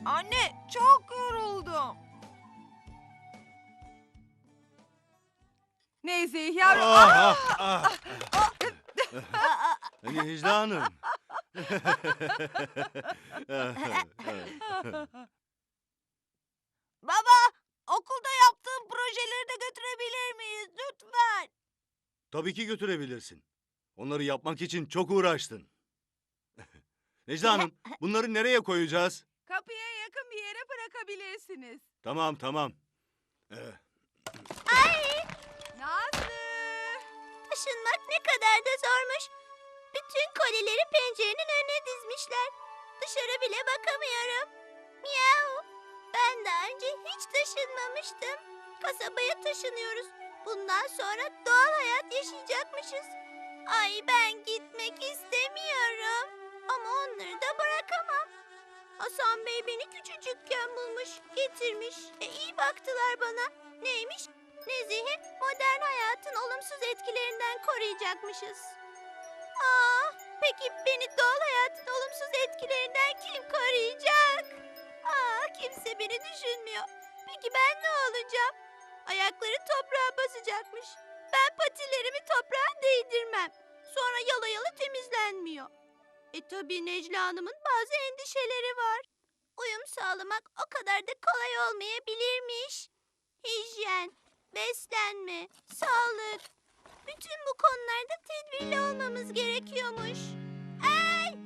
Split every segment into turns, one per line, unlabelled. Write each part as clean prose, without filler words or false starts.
Anne, çok yoruldum.
Neyse yavrum.
Necla Hanım.
Baba, okulda yaptığım projeleri de götürebilir miyiz lütfen?
Tabii ki götürebilirsin. Onları yapmak için çok uğraştın. Necla Hanım, bunları nereye koyacağız?
Kapıya yakın bir yere bırakabilirsiniz.
Tamam.
Nazlı.
Taşınmak ne kadar da zormuş. Bütün kolileri pencerenin önüne dizmişler. Dışarı bile bakamıyorum. Miau. Ben daha önce hiç taşınmamıştım. Kasabaya taşınıyoruz. Bundan sonra doğal hayat yaşayacakmışız. Ay ben gitmek istemiyorum. Ama onları da bırakamam. Hasan Bey beni küçücükken bulmuş, getirmiş. İyi baktılar bana. Neymiş? Nezih'i modern hayatın olumsuz etkilerinden koruyacakmışız. Peki beni doğal hayatın olumsuz etkilerinden kim koruyacak? Kimse beni düşünmüyor. Peki ben ne olacağım? Ayakları toprağa basacakmış. Ben patilerimi toprağa değdirmem. Sonra yala yala temizlenmiyor. Tabii Necla Hanım'ın bazı endişeleri var. Uyum sağlamak o kadar da kolay olmayabilirmiş. Hijyen, beslenme, sağlık. Bütün bu konularda tedbirli olmamız gerekiyormuş. Ay!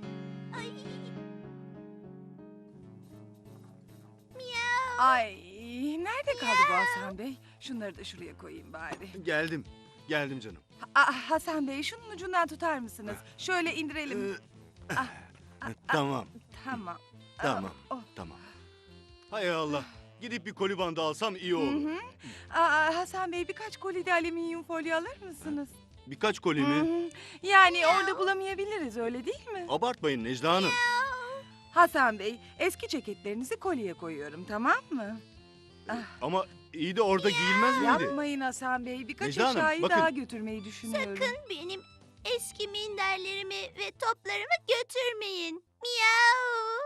Miau!
Ay nerede kaldı bu Hasan Bey? Şunları da şuraya koyayım bari.
Geldim canım.
Hasan Bey şunun ucundan tutar mısınız? Şöyle indirelim.
Tamam.
Tamam.
Tamam.
Oh.
Tamam. Hay Allah. Gidip bir koli bandı alsam iyi
Hı
olur.
hı. Hasan Bey birkaç koli de alüminyum folyo alır mısınız?
Birkaç koli
Hı
mi?
hı. Yani orada bulamayabiliriz öyle değil mi?
Abartmayın Necla Hanım.
Hasan Bey eski ceketlerinizi koliye koyuyorum tamam mı?
Ama iyi de orada giyilmez miydi?
Yapmayın Hasan Bey birkaç
Necla Hanım,
eşyayı
bakın.
daha götürmeyi düşünüyorum.
Sakın benim eski minderlerimi ve toplarımı götürmeyin. Miau!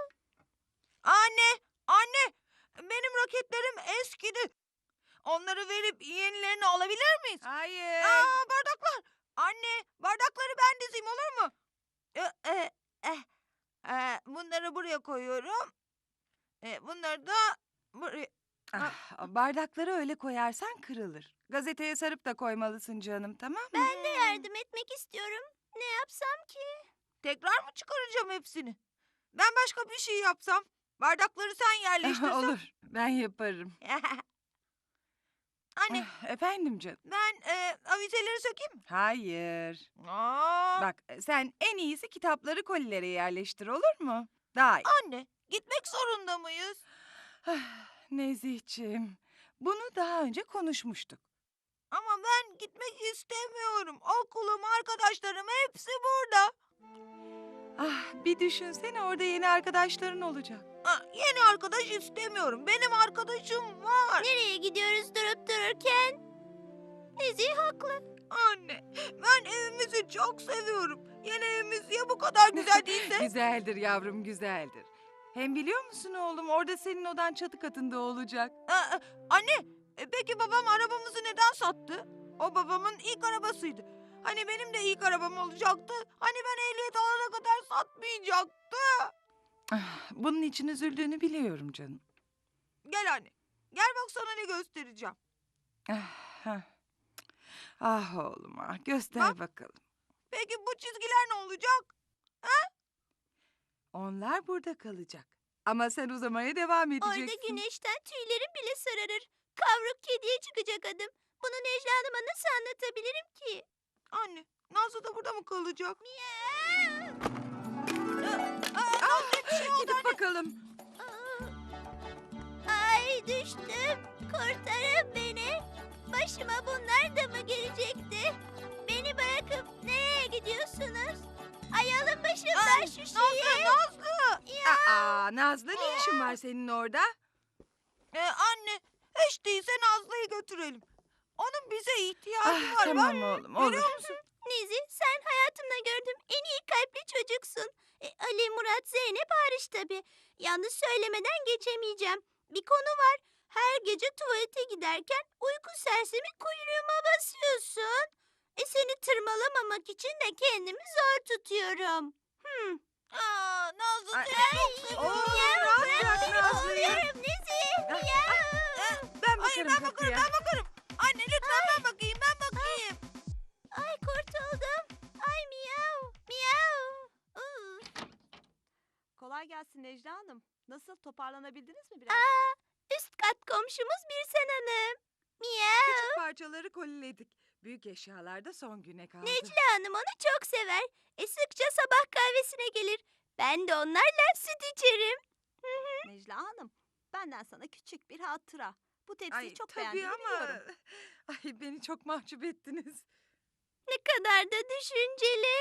Anne, benim roketlerim eskidi. Onları verip yenilerini alabilir miyiz?
Hayır.
Bardaklar. Anne, bardakları ben dizeyim olur mu? Bunları buraya koyuyorum. Bunları da buraya.
Bardakları öyle koyarsan kırılır. Gazeteye sarıp da koymalısın canım tamam mı?
Ben de yardım etmek istiyorum. Ne yapsam ki?
Tekrar mı çıkaracağım hepsini? Ben başka bir şey yapsam. Bardakları sen yerleştirsen.
Olur ben yaparım.
Anne,
Efendim canım.
ben avizeleri sökeyim mi?
Hayır.
Aa,
Bak sen en iyisi kitapları kolilere yerleştir olur mu? Daha iyi.
Anne, gitmek zorunda mıyız?
Nezihciğim bunu daha önce konuşmuştuk.
Ama ben gitmek istemiyorum. Okulum, arkadaşlarım hepsi burada.
Bir düşünsene orada yeni arkadaşların olacak.
Yeni arkadaş istemiyorum. Benim arkadaşım var.
Nereye gidiyoruz durup dururken? Nezih haklı.
Anne, ben evimizi çok seviyorum. Yeni evimiz ya bu kadar güzel değilse?
Güzeldir yavrum güzeldir. Hem biliyor musun oğlum orada senin odan çatı katında olacak.
Anne, peki babam arabamızı neden sattı? O babamın ilk arabasıydı. Hani benim de ilk arabam olacaktı. Hani ben ehliyet alana kadar satmayacaktı.
Bunun için üzüldüğünü biliyorum canım.
Gel anne. Gel bak sana ne göstereceğim.
Hah. Ah oğlum göster
Bak.
bakalım.
Peki bu çizgiler ne olacak?
Onlar burada kalacak. Ama sen uzamaya devam edeceksin.
Orada güneşten tüylerim bile sararır. Kavruk kediye çıkacak adım. Bunu Necla Hanım'a nasıl anlatabilirim ki?
Anne, Nazlı da burada mı kalacak?
Gidip bakalım.
Ay düştüm. Kurtarın beni. Başıma bunlar da mı gelecekti? Beni bırakıp nereye gidiyorsunuz? Ay alın başımdan şu şeyi.
Nazlı ne işin var senin orada?
Anne, hiç değilse Nazlı'yı götürelim. Onun bize ihtiyacı var.
Tamam
bak.
oğlum olur.
Görüyor musun?
Nizi sen hayatımda gördüğüm en iyi kalpli çocuksun. Ali, Murat, Zeynep hariç tabii. Yalnız söylemeden geçemeyeceğim. Bir konu var. Her gece tuvalete giderken uyku sersemi kuyruğuma basıyorsun. Seni tırmalamamak için de kendimi zor tutuyorum.
Aa, Nazlı
Ay,
seni çok seviyorum.
Oğlum
Miyav,
rahat
ben
bırak
seni
Nazlı'yı.
oluyorum Nezih.
Ah,
Miyav.
Ben
Hayır
bakarım
ben bakarım
kapıya.
ben bakarım. Anne lütfen ben bakayım ben bakayım.
Ay kurtuldum. Ay miyav. Miyav.
Kolay gelsin Necla Hanım. Nasıl toparlanabildiniz mi biraz?
Üst kat komşumuz Birsen Hanım. Miyav.
Küçük parçaları koliledik. Büyük eşyalarda son güne kaldı.
Necla Hanım onu çok sever. Sıkça sabah kahvesine gelir. Ben de onlarla süt içerim.
Necla Hanım, benden sana küçük bir hatıra. Bu tepsiyi
Ay
çok
tabii
beğendiğimi
ama...
biliyorum.
Ay beni çok mahcup ettiniz.
Ne kadar da düşünceli.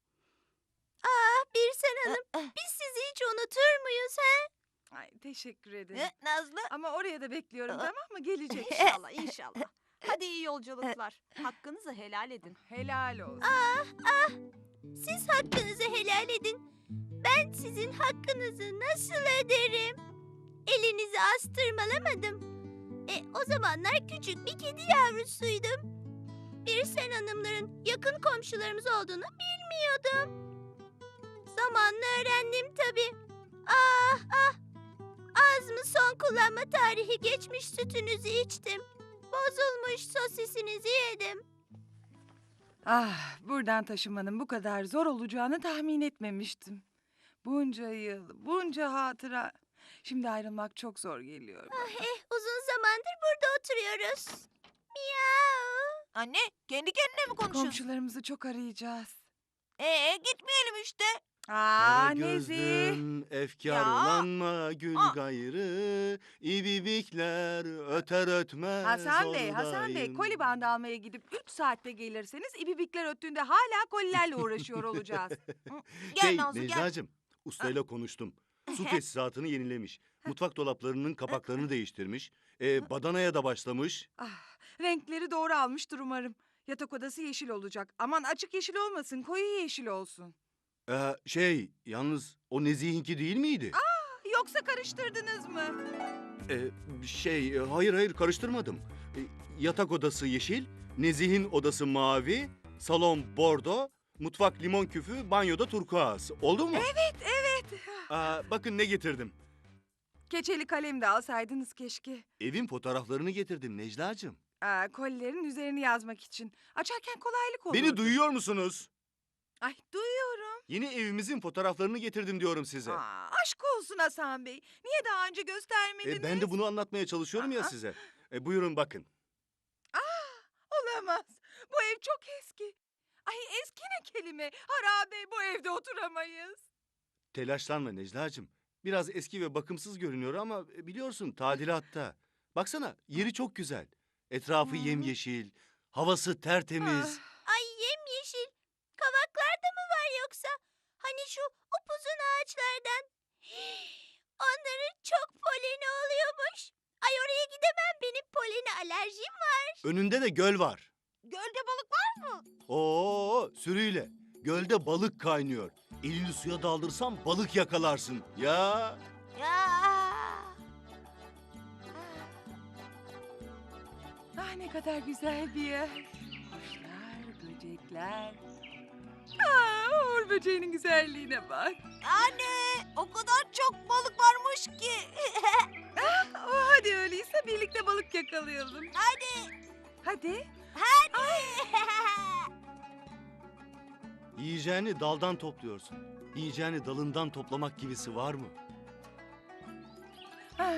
Birsen Hanım, biz sizi hiç unutur muyuz he?
Ay teşekkür ederim.
Ne Nazlı?
Ama oraya da bekliyorum tamam mı? Gelecek.
İnşallah, inşallah. Hadi iyi yolculuklar. Hakkınızı helal edin.
Helal olsun.
Siz hakkınızı helal edin. Ben sizin hakkınızı nasıl öderim? Elinizi astırmalamadım. O zamanlar küçük bir kedi yavrusuydum. Birsen Hanımların yakın komşularımız olduğunu bilmiyordum. Zamanla öğrendim tabii. Ah! Az mı son kullanma tarihi geçmiş sütünüzü içtim. Bozulmuş sosisinizi yedim.
Ah, buradan taşımanın bu kadar zor olacağını tahmin etmemiştim. Bunca yıl, bunca hatıra. Şimdi ayrılmak çok zor geliyor bana.
Uzun zamandır burada oturuyoruz. Miyav.
Anne kendi kendine mi konuşuyorsun?
Komşularımızı çok arayacağız.
Gitmeyelim işte.
Aa
Kara
Nezih.
gözlüm, efkarlanma gül
Aa.
gayrı. İbibikler öter ötmez
Hasan Bey,
oradayım.
koli bandı almaya gidip 3 saatte gelirseniz ibibikler öttüğünde hala kolilerle uğraşıyor olacağız.
Gel Nazlı gel.
Necla'cığım, ustayla konuştum. Su tesisatını yenilemiş. Mutfak dolaplarının kapaklarını değiştirmiş. Badanaya da başlamış.
Ah, renkleri doğru almıştır umarım. Yatak odası yeşil olacak. Aman açık yeşil olmasın, koyu yeşil olsun.
Yalnız o Nezih'inki değil miydi?
Yoksa karıştırdınız mı?
Hayır karıştırmadım. Yatak odası yeşil, Nezih'in odası mavi, salon bordo, mutfak limon küfü, banyoda turkuaz. Oldu mu?
Evet.
Bakın ne getirdim.
Keçeli kalem de alsaydınız keşke.
Evin fotoğraflarını getirdim Necla'cığım.
Kolilerin üzerini yazmak için. Açarken kolaylık olur.
Beni duyuyor musunuz?
Ay duyuyorum.
Yeni evimizin fotoğraflarını getirdim diyorum size.
Aşk olsun Hasan Bey. Niye daha önce göstermediniz?
Ben de bunu anlatmaya çalışıyorum ya
Aa.
size. Buyurun bakın.
Olamaz. Bu ev çok eski. Ay eski ne kelime. Harabe bu evde oturamayız.
Telaşlanma Necla'cığım. Biraz eski ve bakımsız görünüyor ama biliyorsun tadilatta. Baksana yeri çok güzel. Etrafı yemyeşil, havası tertemiz.
Ay yemyeşil. Kavaklar da mı var yoksa? Hani şu upuzun ağaçlardan. Onların çok poleni oluyormuş. Ay oraya gidemem, benim polene alerjim var.
Önünde de göl var.
Gölde balık var mı?
Sürüyle. Gölde balık kaynıyor. Elini suya daldırsan balık yakalarsın. Ya.
Ah ne kadar güzel bir yer. Kuşlar, böcekler. Uğur böceğinin güzelliğine bak.
Anne o kadar çok balık varmış ki.
Hadi öyleyse birlikte balık yakalayalım.
Hadi.
Hadi.
Yiyeceğini daldan topluyorsun. Yiyeceğini dalından toplamak gibisi var mı?
Ah.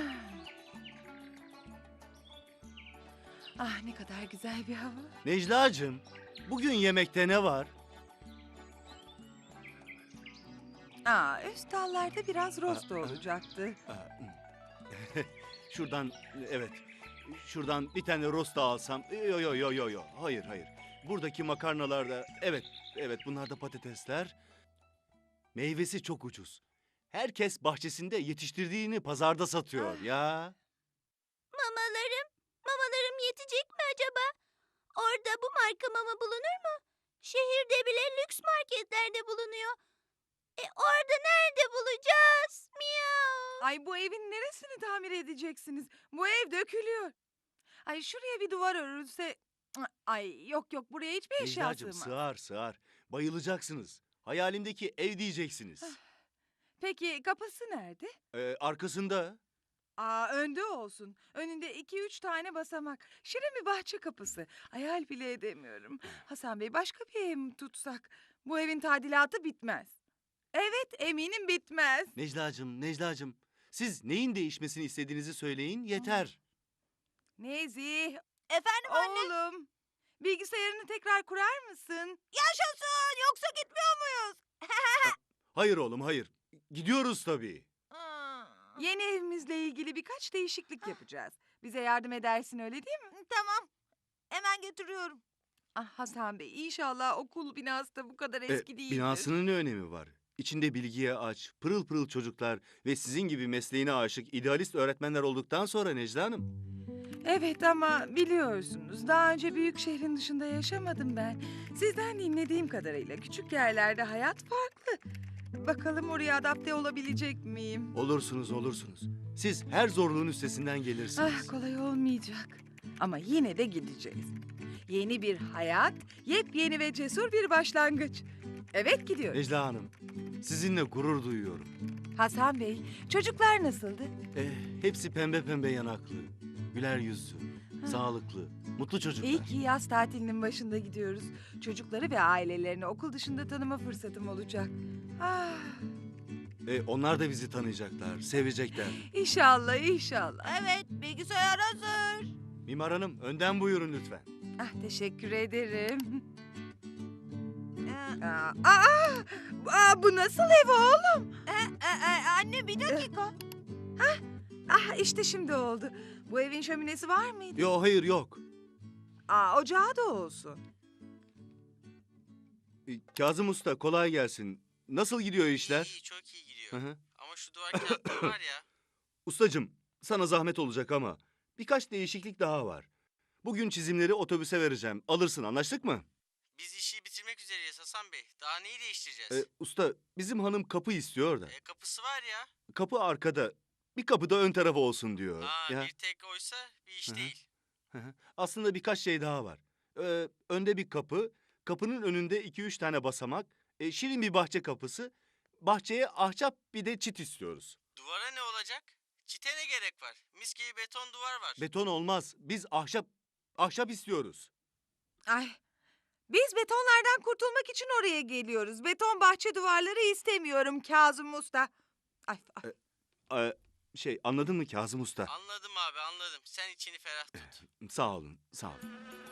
Ah ne kadar güzel bir hava.
Necla'cığım, bugün yemekte ne var?
Üst dallarda biraz rosto olacaktı.
Şuradan, evet. Şuradan bir tane rosta alsam. Yo. Hayır. Buradaki makarnalarda, evet bunlar da patatesler. Meyvesi çok ucuz. Herkes bahçesinde yetiştirdiğini pazarda satıyor ya.
Mamalarım yetecek mi acaba? Orada bu marka mama bulunur mu? Şehirde bile lüks marketlerde bulunuyor. Orada nerede bulacağız? Miyav.
Ay bu evin neresini tamir edeceksiniz? Bu ev dökülüyor. Ay şuraya bir duvar örülse... Ay yok yok buraya hiçbir eşya
Necla'cığım
sığmaz.
sığar sığar. Bayılacaksınız. Hayalimdeki ev diyeceksiniz.
Peki kapısı nerede?
Arkasında.
Önde olsun. Önünde 2-3 tane basamak. Şirin bir bahçe kapısı. Hayal bile edemiyorum. Hasan Bey başka bir ev mi tutsak? Bu evin tadilatı bitmez. Evet eminim bitmez.
Necla'cığım. Siz neyin değişmesini istediğinizi söyleyin yeter.
Nezih.
Efendim anne?
Oğlum. Bilgisayarını tekrar kurar mısın?
Yaşasın yoksa gitmiyor muyuz?
Hayır oğlum hayır. Gidiyoruz tabii.
Yeni evimizle ilgili birkaç değişiklik yapacağız. Bize yardım edersin öyle değil mi?
Tamam. Hemen getiriyorum.
Hasan Bey inşallah okul binası da bu kadar eski değildir.
Binasının ne önemi var? İçinde bilgiye aç, pırıl pırıl çocuklar ve sizin gibi mesleğine aşık idealist öğretmenler olduktan sonra Necla Hanım.
Evet ama biliyorsunuz daha önce büyük şehrin dışında yaşamadım ben. Sizden dinlediğim kadarıyla küçük yerlerde hayat farklı. Bakalım oraya adapte olabilecek miyim?
Olursunuz. Siz her zorluğun üstesinden gelirsiniz.
Kolay olmayacak. Ama yine de gideceğiz. Yeni bir hayat, yepyeni ve cesur bir başlangıç. Evet gidiyoruz.
Necla Hanım, sizinle gurur duyuyorum.
Hasan Bey, çocuklar nasıldı?
Hepsi pembe pembe yanaklı, güler yüzlü, sağlıklı, mutlu çocuklar.
İyi ki yaz tatilinin başında gidiyoruz. Çocukları ve ailelerini okul dışında tanıma fırsatım olacak.
Onlar da bizi tanıyacaklar, sevecekler.
İnşallah.
Evet bilgisayar hazır.
Mimar Hanım, önden buyurun lütfen.
Teşekkür ederim.
Ee,
Bu nasıl ev oğlum?
Anne bir dakika.
İşte şimdi oldu. Bu evin şöminesi var mıydı?
Yo hayır yok.
Ocağı da olsun.
Kazım Usta kolay gelsin. Nasıl gidiyor işler?
İyi, çok iyi gidiyor.
Hı hı.
Ama şu duvar kağıtları var ya.
Ustacığım, sana zahmet olacak ama birkaç değişiklik daha var. Bugün çizimleri otobüse vereceğim. Alırsın, anlaştık mı?
Biz işi bitirmek üzereyiz Hasan Bey. Daha neyi değiştireceğiz?
Usta, bizim hanım kapı istiyor da.
Kapısı var ya.
Kapı arkada. Bir kapı da ön tarafı olsun diyor. Ya.
Bir tek oysa bir iş
Hı hı.
değil.
Hı hı. Aslında birkaç şey daha var. Önde bir kapı, kapının önünde 2-3 tane basamak, şirin bir bahçe kapısı, bahçeye ahşap bir de çit istiyoruz.
Duvara ne olacak? Çite ne gerek var? Mis gibi beton duvar var.
Beton olmaz, biz ahşap istiyoruz.
Biz betonlardan kurtulmak için oraya geliyoruz. Beton bahçe duvarları istemiyorum Kazım Usta.
Anladın mı Kazım Usta?
Anladım abi anladım. Sen içini ferah tut.
Sağ olun.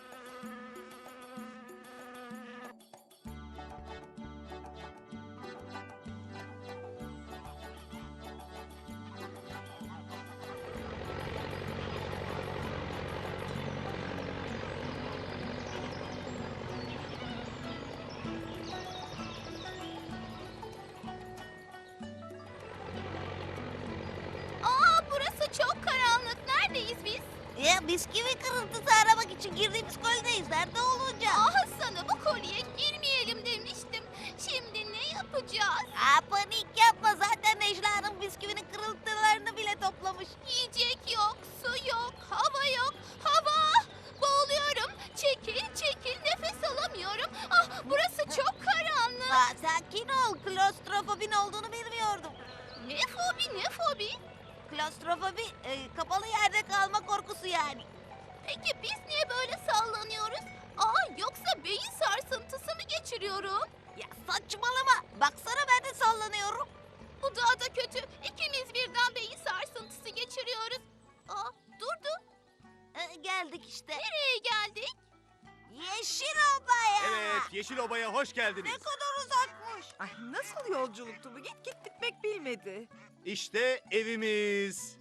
Burası çok karanlık. Neredeyiz biz?
Ya bisküvi kırıntısı aramak için girdiğimiz koldeyiz. Nerede olacağız?
Sana bu kolyeye girmeyelim demiştim. Şimdi ne yapacağız?
Panik yapma. Zaten Necla Hanım bisküvinin kırıntılarını bile toplamış.
Yiyecek yok, su yok, hava yok. Hava! Boğuluyorum. Çekil, nefes alamıyorum. Burası çok karanlık.
Sakin ol. Klostrofobin olduğunu bilmiyordum.
Ne fobi?
Klostrofobi kapalı yerde kalma korkusu yani.
Peki biz niye böyle sallanıyoruz? Yoksa beyin sarsıntısı mı geçiriyorum?
Ya saçmalama. Baksana ben de sallanıyorum.
Bu daha da kötü. İkimiz birden beyin sarsıntısı geçiriyoruz. Durdu.
Geldik işte.
Nereye geldik?
Yeşil Oba'ya.
Evet, Yeşil Oba'ya hoş geldiniz.
Ne kadar uzakmış.
Nasıl yolculuktu bu? Git bitmek bilmedi.
İşte evimiz.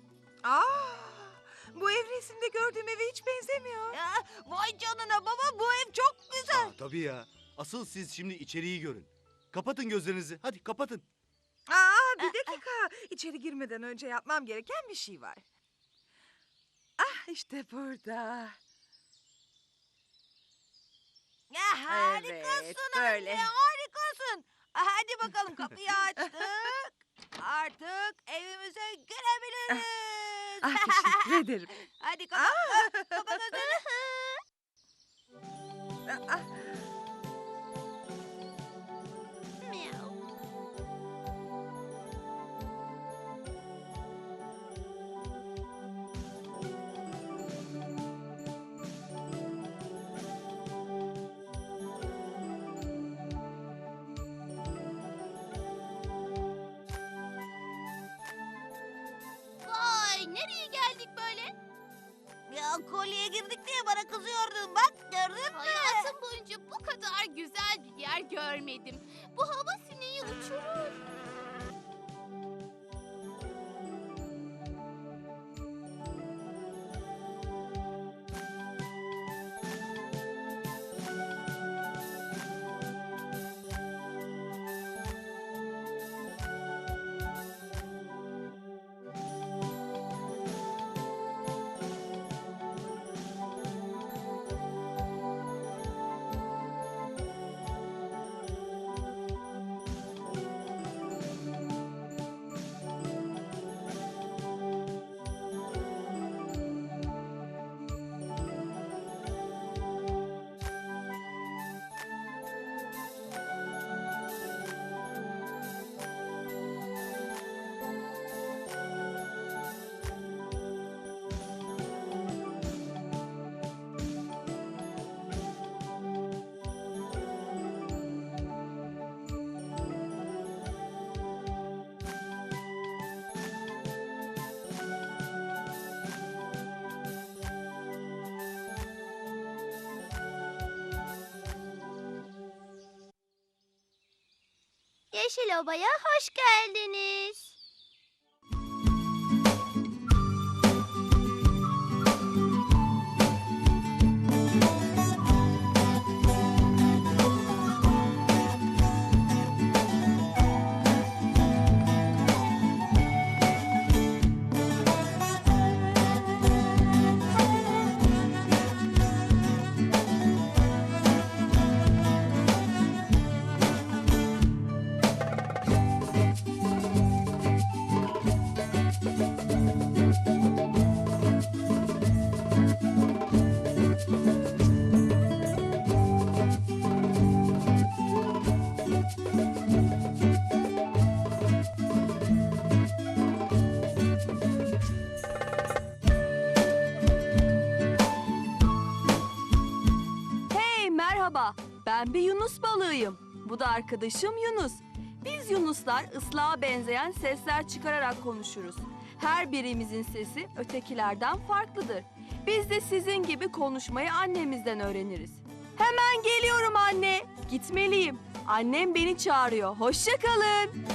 Bu ev resimde gördüğüm eve hiç benzemiyor.
Ya, vay canına baba bu ev çok güzel.
Tabii ya. Asıl siz şimdi içeriği görün. Kapatın gözlerinizi. Hadi kapatın.
Bir dakika. İçeri girmeden önce yapmam gereken bir şey var. İşte burada.
Ya harikasın
Evet, böyle.
anne harikasın. Hadi bakalım kapıyı açtık.
Artık evimize girebiliriz.
Ah teşekkür ederim.
Hadi kapat. Kapat gözlerini.
Ah,
Miau. Vay, nereye geldik böyle?
Ya kolyeye girdik diye bana kızıyordun. Bak gördün mü?
Hayatım boyunca bu kadar güzel bir yer görmedim. Bu hava sineği uçurur. Yeşil Oba'ya hoş geldiniz.
Hey merhaba, ben bir Yunus balığıyım. Bu da arkadaşım Yunus. Biz Yunuslar ıslağa benzeyen sesler çıkararak konuşuruz. Her birimizin sesi ötekilerden farklıdır. Biz de sizin gibi konuşmayı annemizden öğreniriz. Hemen geliyorum anne. Gitmeliyim. Annem beni çağırıyor. Hoşça kalın.